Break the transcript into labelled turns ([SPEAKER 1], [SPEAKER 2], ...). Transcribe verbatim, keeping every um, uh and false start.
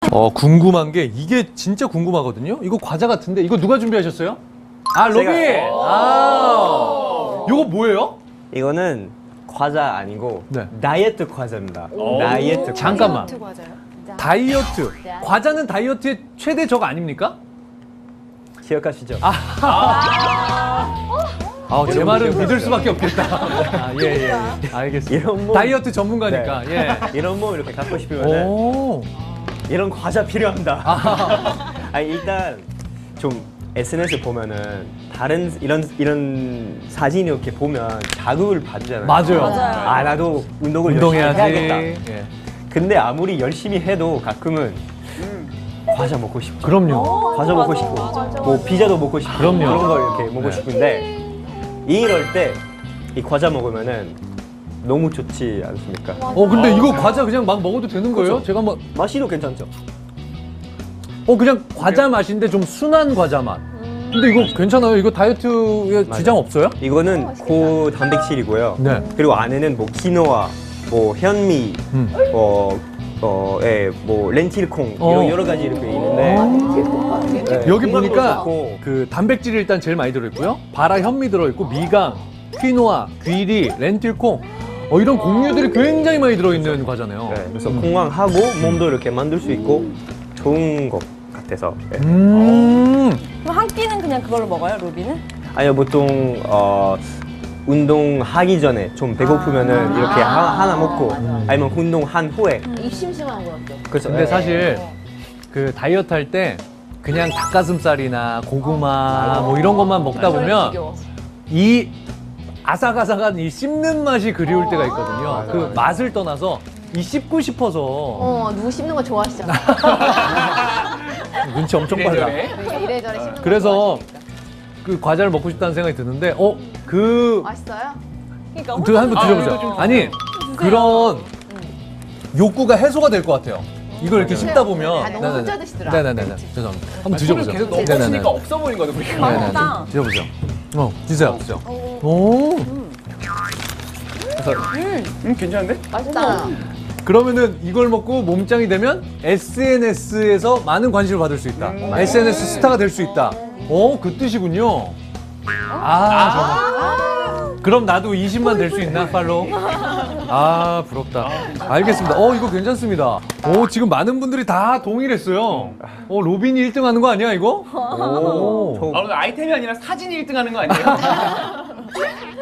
[SPEAKER 1] 어, 궁금한 게 이게 진짜 궁금하거든요. 이거 과자 같은데 이거 누가 준비하셨어요? 아, 로비.
[SPEAKER 2] 제가-
[SPEAKER 1] 아, 이거 뭐예요?
[SPEAKER 2] 이거는 과자 아니고
[SPEAKER 1] 네.
[SPEAKER 2] 다이어트 과자입니다. 다이어트 과자.
[SPEAKER 1] 잠깐만.
[SPEAKER 3] 다이어트 과자요?
[SPEAKER 1] 다이어트. 과자는 다이어트의 최대 적 아닙니까?
[SPEAKER 2] 기억하시죠?
[SPEAKER 1] 아, 제 말은 믿을 수밖에 없겠다. 아, 예, 예. 알겠습니다.
[SPEAKER 2] 이런 몸-
[SPEAKER 1] 다이어트 전문가니까.
[SPEAKER 2] 네. 이런 몸 이렇게 갖고
[SPEAKER 1] 예.
[SPEAKER 2] 싶으면
[SPEAKER 1] 오.
[SPEAKER 2] 이런 과자 필요합니다. 아니, 일단 좀 에스엔에스 보면은 다른 이런 이런 사진 이렇게 보면 자극을 받잖아요.
[SPEAKER 1] 맞아요.
[SPEAKER 3] 맞아요.
[SPEAKER 2] 아, 나도 운동을
[SPEAKER 1] 운동해야지.
[SPEAKER 2] 열심히 해야겠다.
[SPEAKER 1] 예.
[SPEAKER 2] 근데 아무리 열심히 해도 가끔은 과자 먹고 싶죠.
[SPEAKER 1] 그럼요.
[SPEAKER 2] 과자 먹고 싶고, 뭐 피자도 먹고 싶고,
[SPEAKER 1] 그럼요.
[SPEAKER 2] 그런 걸 이렇게 먹고
[SPEAKER 1] 네.
[SPEAKER 2] 싶은데 이럴 때 이 과자 먹으면은 너무 좋지 않습니까?
[SPEAKER 1] 어, 근데 이거 과자 그냥 막 먹어도 되는 거예요?
[SPEAKER 2] 그렇죠.
[SPEAKER 1] 제가 한번
[SPEAKER 2] 맛이도 괜찮죠.
[SPEAKER 1] 어, 그냥 과자 맛인데 좀 순한 과자 맛. 근데 이거 괜찮아요? 이거 다이어트에 지장 없어요?
[SPEAKER 2] 이거는 고단백질이고요.
[SPEAKER 1] 네.
[SPEAKER 2] 그리고 안에는 뭐 키노아, 뭐 현미,
[SPEAKER 1] 음.
[SPEAKER 2] 어, 어, 예, 뭐 렌틸콩
[SPEAKER 1] 어.
[SPEAKER 2] 이런 여러 가지 이렇게 있는데 네,
[SPEAKER 1] 여기
[SPEAKER 2] 건강도
[SPEAKER 1] 보니까
[SPEAKER 2] 좋고.
[SPEAKER 1] 그 단백질이 일단 제일 많이 들어있고요. 바라 현미 들어있고 미강, 퀴노아, 귀리, 렌틸콩 어, 이런 곡류들이 굉장히 많이 들어있는 과자네요.
[SPEAKER 2] 네, 그래서 건강하고 몸도 이렇게 만들 수 있고 좋은 것 같아서. 예.
[SPEAKER 1] 음.
[SPEAKER 3] 그럼 한 끼는 그냥 그걸로 먹어요, 로비는?
[SPEAKER 2] 아니요, 보통 어, 운동하기 전에 좀 배고프면은 이렇게 하나, 하나 먹고 아니면 운동한 후에.
[SPEAKER 4] 입 심심한 거 같죠?
[SPEAKER 2] 그래서
[SPEAKER 1] 근데
[SPEAKER 2] 예.
[SPEAKER 1] 사실 그 다이어트 할 때 그냥 닭가슴살이나 고구마 뭐 이런 것만 먹다 보면 이 아삭아삭한 이 씹는 맛이 그리울 때가 있거든요. 그 맛을 떠나서 이 씹고 싶어서
[SPEAKER 4] 어, 누구 씹는 거 좋아하시잖아.
[SPEAKER 1] 눈치 엄청 빨라.
[SPEAKER 4] 그러니까 이래저래 씹는 거
[SPEAKER 1] 그래서
[SPEAKER 4] 좋아하시니까.
[SPEAKER 1] 그 과자를 먹고 싶다는 생각이 드는데, 어, 그,
[SPEAKER 4] 맛있어요?
[SPEAKER 3] 그러니까
[SPEAKER 1] 그 한번 드셔보세요. 아니, 그런 욕구가 해소가 될 것 같아요. 이걸 이렇게 씹다 보면.
[SPEAKER 4] 아, 너무 혼자 드시더라.
[SPEAKER 1] 네네네. 죄송합니다. 한번 드셔보세요.
[SPEAKER 5] 계속
[SPEAKER 1] 네네네.
[SPEAKER 5] 넣어주니까 없어 보이는 거죠, 우리가.
[SPEAKER 1] 네네네.
[SPEAKER 3] 맛있다.
[SPEAKER 1] 드셔보세요. 어, 드세요, 드세요. 오.
[SPEAKER 5] 음, 괜찮은데?
[SPEAKER 4] 맛있다.
[SPEAKER 1] 그러면은 이걸 먹고 몸짱이 되면 에스엔에스에서 많은 관심을 받을 수 있다. 에스엔에스 스타가 될 수 있다. 어, 그 뜻이군요. 아, 정말. 그럼 나도 이십만 될 수 있나, 팔로우? 아, 부럽다. 알겠습니다. 어, 이거 괜찮습니다. 오, 지금 많은 분들이 다 동일했어요. 어, 로빈이 일 등 하는 거 아니야, 이거? 오.
[SPEAKER 2] 저
[SPEAKER 5] 아, 오늘 아이템이 아니라 사진이 일 등 하는 거 아니에요?